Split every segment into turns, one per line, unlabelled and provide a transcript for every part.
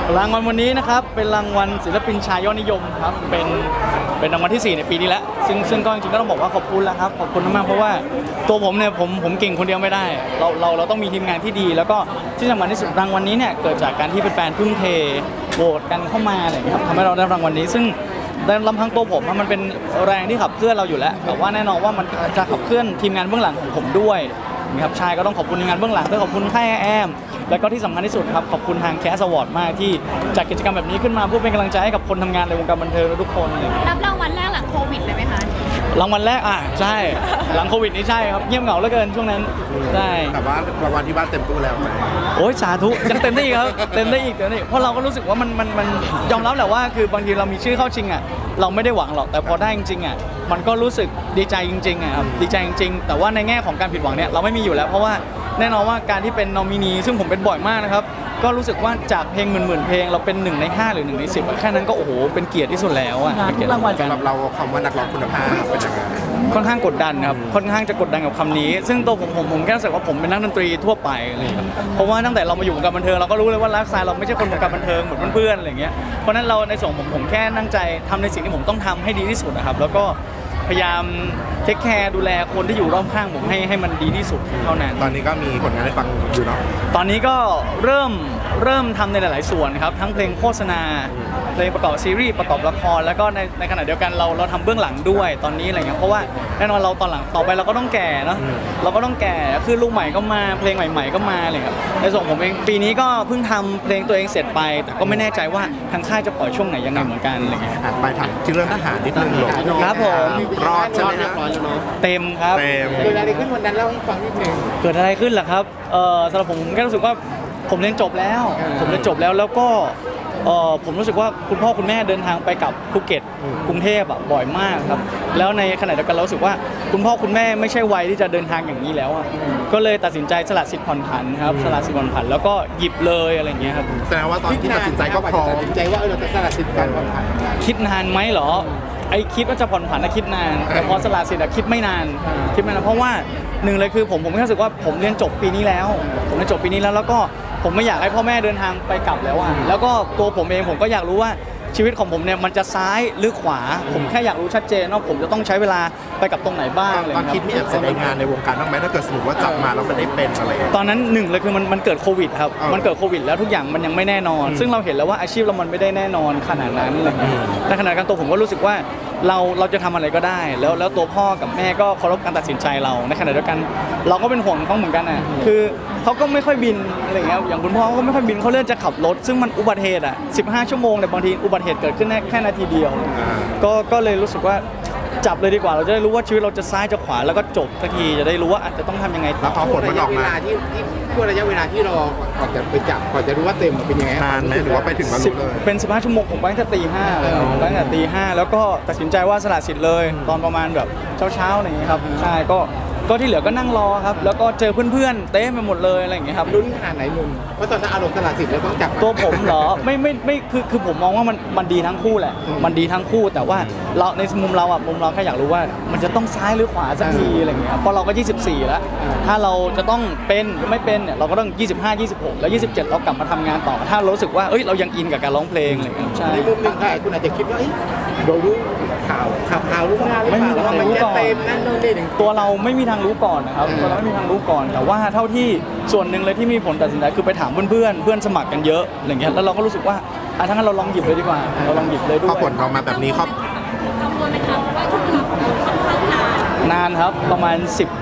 รางวัลวันนี้นะครับเป็นรางวัลศิลปินชายยอดนิยมครับเป็นรางวัลที่ 4ในปีนี้แล้วซึ่งก็จริงๆก็ต้องบอกว่าขอบคุณแล้วครับขอบคุณมากเพราะว่าตัวผมเนี่ยผมเก่งคนเดียวไม่ได้เราต้องมีทีมงานที่ดีแล้วก็ที่สำคัญที่สุดรางวัลนี้เนี่ยเกิดจากการที่แฟนๆทุ่มเทโหวตกันเข้ามาอะไรอย่างเงี้ยครับทำให้เราได้รางวัลนี้ซึ่งลำพังตัวผมมันเป็นแรงที่ขับเคลื่อนเราอยู่แล้วแต่ว่าแน่นอนว่ามันจะขับเคลื่อนทีมงานเบื้องหลังของผมด้วยนะครับชายก็ต้องขอบคุณทีมงานเบื้องหลังด้วยขอบคุณค่ายแอมแล้วก็ที่สำคัญที่สุดครับขอบคุณทางแคสอวอร์ดมากที่จัดกิจกรรมแบบนี้ขึ้นมาเพื่อเป็นกำลังใจให้กับคนทำงานในวงการบันเทิงทุกคนเลย
รับรางวัลแรกหลังโควิดเลยไหมคะ
รางวัลแรกใช่หลังโควิดนี่ใช่ครับเงียบเหงาเหลือเกินช่วงนั้นใช่
แต่ว่ารางวัลที่บ้านเต็มตู้แล้วไหม
โอ้ยสาธุยังเต็มได้อีกครับเต็มได้อีกเพราะเราก็รู้สึกว่ามันยอมรับแหละว่าคือบางทีเรามีชื่อเข้าชิงเราไม่ได้หวังหรอกแต่พอได้จริงๆมันก็รู้สึกดีใจจริงๆครับดีใจจริงๆแต่ว่าในแง่ของการผิดหวังเนี่ยเราไม่มีอยู่แล้วเพราะว่าแน่นอนว่าการที่เป็นนอมินีซึ่งผมเป็นบ่อยมากนะครับก็รู้สึกว่าจากเพลงหมื่นเพลงเราเป็น1 ใน 5หรือ1 ใน 10แค่นั้นก็โอ้โหเป็นเกียรติที่สุดแล้วเป็นเกียรติรางวัล
สำหรับเราคำว่านักร้องคุณภาพเป็นยังไง
ค่อนข้างกดดันครับค่อนข้างจะกดดันกับคำนี้ซึ่งตัวผมแค่รู้สึกว่าผมเป็นนักดนตรีทั่วไปอะไรครับเพราะว่าตั้งแต่เรามาอยู่วงการบันเทิงเราก็รู้เลยว่าไลฟ์สไตล์เราไม่ใช่คนวงการบันเทิงเหมือนเพื่อนๆอะไรอย่างเงี้ยเพราะนั้นเราในส่วนผมแค่ตั้งใจทำในสิ่งที่ผมต้องทำให้ดีที่สุดนะครับแล้วก็พยายามเทคแคร์ดูแลคนที่อยู่รอบข้างผมให้มันดีที่สุดเท่านั้น
ตอนนี้ก็มีผลงานให้ฟังอยู่เนาะ
ตอนนี้ก็เริ่มทำในหลายๆส่วนครับทั้งเพลงโฆษณาเพลงประกอบซีรีส์ประกอบละครแล้วก็ในขณะเดียวกันเราทำเบื้องหลังด้วยตอนนี้อะไรเงี้ยเพราะว่าแน่นอนเราตอนหลังต่อไปเราก็ต้องแก่เนาะเราก็ต้องแก่คือลูกใหม่ก็มาเพลงใหม่ๆก็มาอะไรครับในส่วนผมเองปีนี้ก็เพิ่งทำเพลงตัวเองเสร็จไปแต่ก็ไม่แน่ใจว่าทางค่ายจะปล่อยช่วงไหนยังไงเหมือนกันอะไรเงี้ย
ไปถามที่เรื่องทหารนิดนึงหรอ
ครับผม
รอดใช่ไหม
เต็มครับ
เกิดอะไรขึ้นวันนั้นเล่าให้ฟังนิดนึง
เกิดอะไรขึ้นล่ะครับสำหรับผมแค่รู้สึกว่าผมเรียนจบแล้วแล้วก็ผมรู้สึกว่าคุณพ่อคุณแม่เดินทางไปกับภูเก็ตกรุงเทพบ่อยมากครับแล้วในขณะเดียวกันเรารู้สึกว่าคุณพ่อคุณแม่ไม่ใช่วัยที่จะเดินทางอย่างนี้แล้วก็เลยตัดสินใจสละสิทธิ์ผ่อนผันครับสละสิทธิ์ผ่อนผันแล้วก็หยิบเลยอะไรอย่างเงี้ยครับ
แสดงว่าตอนที่ตัดสินใจก็พร้อมตัดสินใจว่าเราจะสละสิทธิ์การผ่อนผัน
คิดนานไหมเหรอคิดว่าจะผ่อนผันคิดนานแต่พอสละสิทธิ์คิดไม่นานเพราะว่าหนึ่งเลยคือผมแค่รู้สึกว่าผมเรียนจบปีนี้แล้วแล้วก็ผมไม่อยากให้พ่อแม่เดินทางไปกลับแล้วแล้วก็ตัวผมเองผมก็อยากรู้ว่าชีวิตของผมเนี่ยมันจะซ้ายหรือขวาผมแค่อยากรู้ชัดเจนว่าผมจะต้องใช้เวลาไปกับตรงไหนบ้าง
ตอนคิดมีแอบเสียดายงานในวงการบ้างไหมถ้าเกิดสมมติว่าจับมาแล้วมันได้เป็นอะไร
ตอนนั้นหนึ่งเลยคือมันเกิดโควิดครับมันเกิดโควิดแล้วทุกอย่างมันยังไม่แน่นอนซึ่งเราเห็นแล้วว่าอาชีพเรามันไม่ได้แน่นอนขนาดนั้นอะไรเงี้ยแต่ขณะกันตัวผมก็รู้สึกว่าเราจะทำอะไรก็ได้แล้วตัวพ่อกับแม่ก็เคารพการตัดสินใจเราในขณะเดียวกันเราก็เป็นห่วงเขาเหมือนกันคือเขาก็ไม่ค่อยบินอะไรเงี้ยอย่างคุณพ่อเขาไม่ค่อยบินเขาเลื่อนจะขับรถซึ่งมันอุบัติเหตุ15 ชั่วโมงแต่บางทีอุบัติเหตุเกิดขึ้นแค่นาทีเดียวก็เลยรู้สึกว่าจับเลยดีกว่าเราจะได้รู้ว่าชีวิตเราจะซ้ายจะขวาแล้วก็จบสักทีจะได้รู้ว่าอาจจะต้องทำยังไง
แล้วพอผลมันออกมา
ช่วงระยะเวลาที่รอก่อนจะไปจับก่อนจะรู้ว่าเต็มเป็นยังไง
นานไหมหรือว่าไปถึงวันเลย
เป็น15 ชั่วโมงผมไปตั้งแต่ตี 5เลยตั้งแต่ตี 5แล้วก็ตัดสินใจว่าสละสิทธิ์เลยตอนประมาณแบบเช้าๆอย่างเงี้ยครับใช่ก็ที่เหลือก็นั่งรอครับแล้วก็เจอเพื่อนๆเต้ไปหมดเลยอะไรอย่างเงี้ยครับ
ลุ้นขนาดไหนมุมเพราะตอนนั้นอารมณ์สละสิทธิ์แล้วต้องจับ
ตัวผมเหรอไม่คือผมมองว่ามันดีทั้งคู่แหละมันดีทั้งคู่แต่ว่าเราในมุมเราแค่อยากรู้ว่ามันจะต้องซ้ายหรือขวาสักทีอะไรอย่างเงี้ยเพราะเราก็24แล้วถ้าเราจะต้องเป็นหรือไม่เป็นเนี่ยเราก็ต้อง25 26แล้ว27เรากลับมาทำงานต่อถ้ารู้สึกว่าเรายังอินกับการร้องเพลงอะไรอย่างเงี้ยใช่
ในมุมหนึ่งค่ะคุณอาจจะคิดว่าเรารู้ข่าวรู้งานหรือเปล่าว่ามันจะเต็มนั่นนู่นนี่
ตัวเราไม่มีทางรู้ก่อนนะครับเราไม่มีทางรู้ก่อนแต่ว่าเท่าที่ส่วนหนึ่งเลยที่มีผลตัดสินใจคือไปถามเพื่อนสมัครกันเยอะอะไรเงี้ยแล้วเราก็รู้สึกว่าทั้งนั้นเราลองหยิบเลยดีกว่าเราลองหยิบเลยด้วย
พอผลออกมาแบบนี้ครับ
กังวลไหมคะว่าช่วงเวลาของเราค่อนข้าง
นานครับประมาณ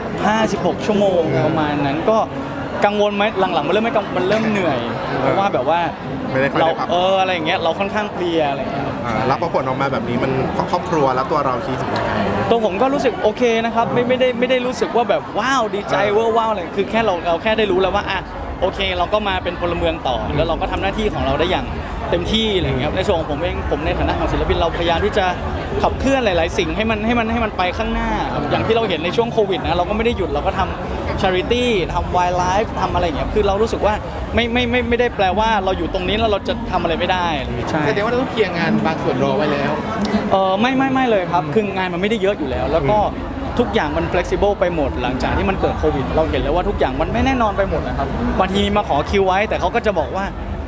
15-16 ชั่วโมงประมาณนั้นก็กังวลไหมหลังๆมันเริ่มเหนื่อยเพราะว่าแบบว่าเราอะไรอย่างเงี้ยเราค่อนข้างเพลียอะไรอย่างเงี้ย
แล้วพอผลออกมาแบบนี้มันครอบครัวแล้วตัวเราคิดยังไง
ตัวผมก็รู้สึกโอเคนะครับไม่ได้รู้สึกว่าแบบว้าวดีใจว้าวอะไรคือแค่เราแค่ได้รู้แล้วว่าโอเคเราก็มาเป็นพลเมืองต่อแล้วเราก็ทำหน้าที่ของเราได้อย่างเต็มที่อะไรอย่างเงี้ยในส่วนของผมเองผมในฐานะของศิลปินเราพยายามที่จะขับเคลื่อนหลายๆสิ่งให้มันไปข้างหน้าอย่างที่เราเห็นในช่วงโควิดนะเราก็ไม่ได้หยุดเราก็ทำ charity ทำ wildlife ทำอะไรอย่างเงี้ยคือเรารู้สึกว่าไม่ได้แปลว่าเราอยู่ตรงนี้แล้วเราจะทำอะไรไม่ได้
ใช่แสดงว่าเราต้องเคลียร์งานบางส่วนรอไว้แล้ว
ไม่เลยครับคืองานมันไม่ได้เยอะอยู่แล้วแล้วก็ทุกอย่างมัน flexible ไปหมดหลังจากที่มันเกิดโควิดเราเห็นแล้วว่าทุกอย่างมันไม่แน่นอนไปหมดนะครับบางทีมาขอคิวไว้แต่เขาก็จะบอกว่า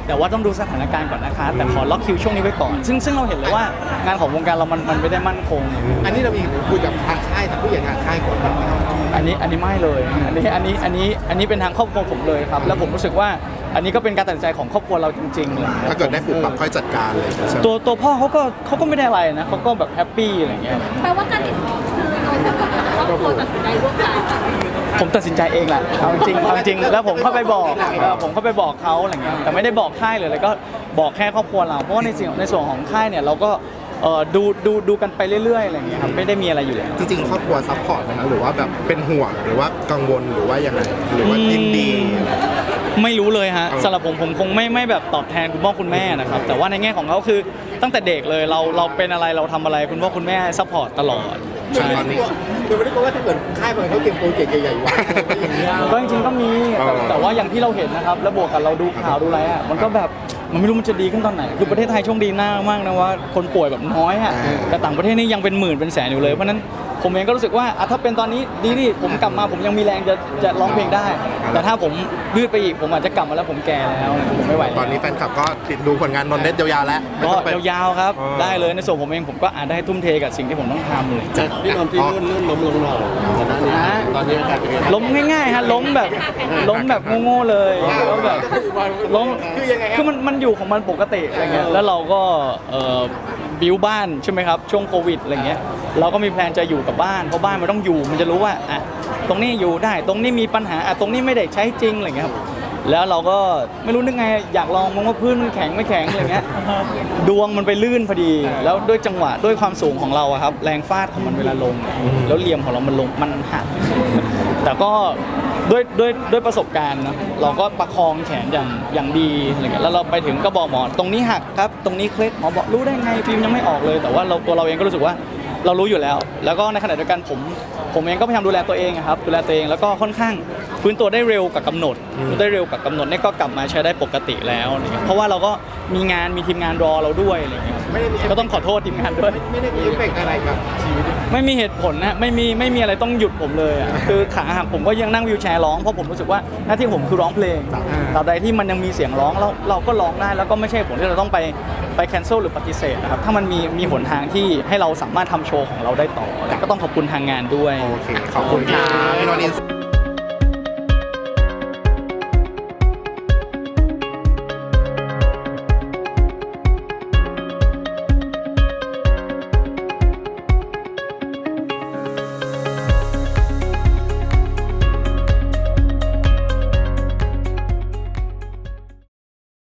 แต่ว่าต้องดูสถานการณ์ก่อนนะคะแต่ขอล็อกคิวช่วงนี้ไว้ก่อนซึ่งเราเห็นเลยว่างานของวงการเรามันไม่ได้มั่นคง
อันนี้เรามีคุยกับทางค่ายทางผู้ใหญ่ทางค่ายก่อนไหมครับ
อันนี้ไม่เลยอันนี้เป็นทางครอบครัวผมเลยครับแล้วผมรู้สึกว่าอันนี้ก็เป็นการตัดสินใจของครอบครัวเราจริงๆเลย
ถ้าเกิดได้ปรับปรับค่อยจัดการเลยใช่ไหม
ตัวพ่อเขาก็ไม่ได้อะไรนะเขาก็แบบแฮปปี้อะไรเงี้ย
แปลว่าการติดต่อคือเราครอบครัวตัดสินใจร่วมกัน
ผมตัดสินใจเองแหละเอาจริงแล้วผมเข้าไปบอกผมเข้าไปบอกเขาอะไรเงี้ยแต่ไม่ได้บอกค่ายเลยก็บอกแค่ครอบครัวเราเพราะว่าในส่วนของค่ายเนี่ยเราก็ดูกันไปเรื่อยๆอะไรเงี้ยครับไม่ได้มีอะไรอยู่แล้ว
จริงๆครอบครัวซัพพอร์ตนะครับหรือว่าแบบเป็นห่วงหรือว่ากังวลหรือว่ายังไงหรือว่ายินดี
ไม่รู้เลยฮะสำหรับผมคงไม่แบบตอบแทนคุณพ่อคุณแม่นะครับแต่ว่าในแง่ของเขาคือตั้งแต่เด็กเลยเราเป็นอะไรเราทำอะไรคุณพ่อคุณแม่ซัพพอร์ตตลอดใช่
ตอนนี้
คือไม่ได้บอกว่าถ้าเกิดค่ายบางเขาเตรียมโปรเจกต์ใหญ่ๆไว้ก็อย่างเงี้ย
ก็จริงๆก็มีแต่ว่าอย่างที่เราเห็นนะครับแล้วบวกกับเราดูข่าวดูอะไรอ่ะมันก็แบบมันไม่รู้มันจะดีขึ้นตอนไหนคือประเทศไทยโชคดีมากนะว่าคนป่วยแบบน้อยอ่ะแต่ต่างประเทศนี่ยังเป็นหมื่นเป็นแสนอยู่เลยเพราะนั้นผมเองก็รู้สึกว่าถ้าเป็นตอนนี้ดีนี่ผมกลับมาผมยังมีแรงจะร้องเพลงได้ แต่ถ้าผมยืดไปอีกผมอาจจะกลับมาแล้วผมแก่แล้วผมไม่ไหว
ตอนนี้แฟนคลับก็ติดดูผลงานนนท์เน็ตยาวๆแล้วไม่
ก็
ต้องไป
ยาวๆครับ
อ๋อ
ได้เลยในส่วนผมเองผมก็อาจได้ทุ่มเทกับสิ่งที่ผมต้องทำเลย
จากพี่นนท์ที่ลื่นล้มลงหน่อยตอนนี้อาการเป็นไง
ล้มง่ายๆฮะล้มแบบโง่ๆเลยแล้วแบบล้ม
คือยังไง
คือมันอยู่ของมันปกติอะไรเงี้ยแล้วเราก็บิวบ้านใช่ไหมครับช่วงโควิดอะไรเงี้ยเราก็มีแพลนจะอยู่กับบ้านเพราะบ้านมันต้องอยู่มันจะรู้ว่าอ่ะตรงนี้อยู่ได้ตรงนี้มีปัญหาอ่ะตรงนี้ไม่ได้ใช้จริงอะไรเงี้ยครับแล้วเราก็ไม่รู้นึกไงอยากลองมองว่าพื้นมันแข็งไม่แข็งอะไรเงี้ยดวงมันไปลื่นพอดี แล้วด้วยจังหวะด้วยความสูงของเราอะครับแรงฟาดของมันเวลาลง แล้วเหลี่ยมของเรามันลงมันหัก แต่ก็ด้วยประสบการณ์นะเราก็ประคองแขนอย่างดีอะไรเงี้ยแล้วเราไปถึงก็บอกหมอตรงนี้หักครับตรงนี้เคล็ดหมอบอกรู้ได้ไงฟิล์มยังไม่ออกเลย แต่ว่าตัวเราเองก็รู้สึกว่าเรารู้อยู่แล้ว แล้วก็ในขณะเดียวกันผมเองก็พยายามดูแลตัวเองอะครับดูแลตัวเองแล้วก็ค่อนข้างฟื้นตัวได้เร็วกับกำหนดได้เร็วกับกำหนดเนี่ยก็กลับมาใช้ได้ปกติแล้วอะไรเงี้ยเพราะว่าเราก็มีทีมงานรอเราด้วยอะไรเงี้ย
ไม่ได้มี
ก็ต้องขอโทษทีมงานด้วย
ไม่ได้มีเอฟเฟกต์อะไรกับชีวิต
ไม่มีเหตุผลนะไม่มีอะไรต้องหยุดผมเลยอ่ะ คือขาหักผมก็ยังนั่งวีลแชร์ร้องเพราะผมรู้สึกว่าหน้าที่ผมคือร้องเพลงตราบใดที่มันยังมีเสียงร้องเราก็ร้องได้แล้วก็ไม่ใช่ผลที่เราต้องไปแคนเซิลหรือปฏิเสธนะครับถ้ามันมีหนทางที่ให้เราสามารถทำโชว์ของเราได้ต่อก็ต้องขอบคุณทางงานด้วย
โอเคขอบคุณครับพี่นนท์